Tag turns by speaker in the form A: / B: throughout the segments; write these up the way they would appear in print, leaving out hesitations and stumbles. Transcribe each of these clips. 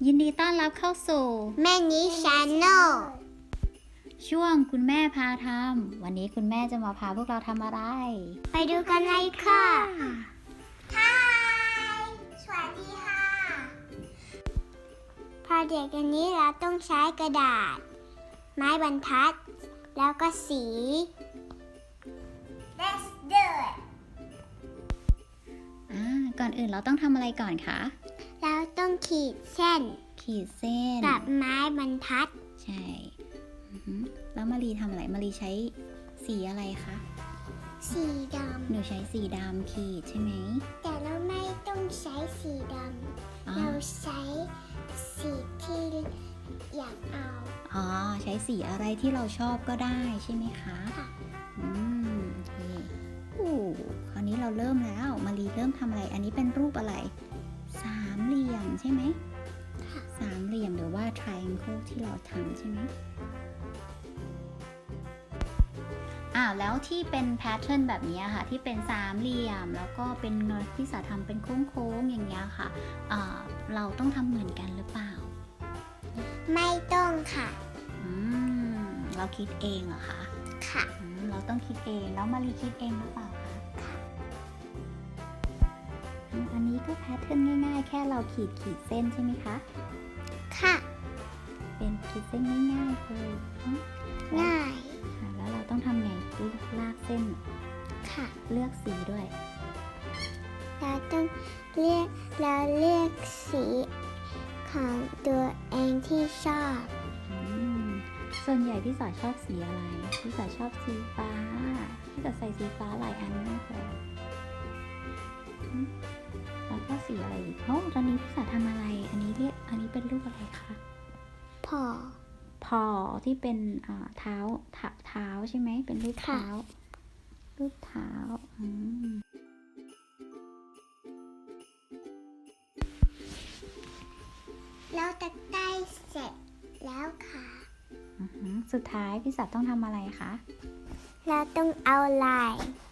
A: ยินดีต้อนรับเข้าสู่
B: แม่นิชาแนล
A: ช่วงคุณแม่พาทำวันนี้คุณแม่จะมาพาพวกเราทำอะไร
B: ไปดูกันเลยค่ะฮายสวัสดีค่ะพอเด็กอันนี้เราต้องใช้กระดาษไม้บรรทัดแล้วก็สี Let's do it
A: ก่อนอื่นเราต้องทำอะไรก่อนคะ
B: เราต้องขีดเส้นกับไม้บรรทัด
A: ใช่แล้วมารีทำอะไรมารีใช้สีอะไรคะ
B: สีดำ
A: หนูใช้สีดำขีดใช่ไหม
B: แต่เราไม่ต้องใช้สีดำเราใช้สีที่อยากเอา
A: ใช้สีอะไรที่เราชอบก็ได้ใช่ไหมคะ
B: ค่ะ
A: โอเคคราวนี้เราเริ่มแล้วมารีเริ่มทำอะไรอันนี้เป็นรูปอะไรสามเหลี่ยมใช่ไหมสามเหลี่ยมหรือว่า triangle ที่เราทำใช่ไหมแล้วที่เป็นแพทเทิร์นแบบนี้ค่ะที่เป็นสามเหลี่ยมแล้วก็เป็นเงยที่สาทำเป็นโค้งๆอย่างเงี้ยค่ะเราต้องทำเหมือนกันหรือเปล่า
B: ไม่ต้องค่ะ
A: เราคิดเองเหรอคะ
B: ค่ะ
A: เราต้องคิดเองแล้วมารีคิดเองหรือเปล่าคะอันนี้ก็แพทเทิร์นง่ายๆแค่เราขีดเส้นใช่ไหมคะ
B: ค่ะ
A: เป็นขีดเส้นง่ายๆเลย
B: ง่าย
A: แล้วเราต้องทำไงลากเส้น
B: ค่ะ
A: เลือกสีด้วย
B: เราต้องเลือกสีของตัวเองที่ชอบ
A: ส่วนใหญ่พี่สาวชอบสีอะไรพี่สาวชอบสีฟ้าพี่สาวใส่สีฟ้าหลายอันมากเลยแล้วก็สีอะไรอีกตอนนี้พี่สาวทำอะไรอันนี้เป็นรูปอะไรคะพอที่เป็นเท้าใช่ไหมเป็นรูปเท้า
B: เราจะได้เสร็จแล้วค่ะ
A: สุดท้ายพี่สาวต้องทำอะไรคะ
B: เราต้องเอาลาย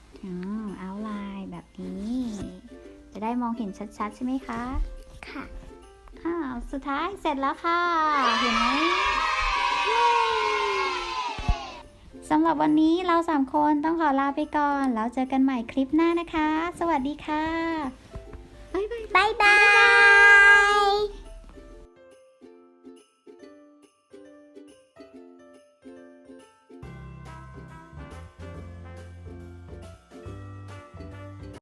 A: แบบนี้จะได้มองเห็นชัดๆใช่ไหมคะ
B: ค่ะ
A: สุดท้ายเสร็จแล้วค่ะเห็นไหมสำหรับวันนี้เรา3คนต้องขอลาไปก่อนแล้วเจอกันใหม่คลิปหน้านะคะสวัสดีค่ะ
B: บ๊ายบาย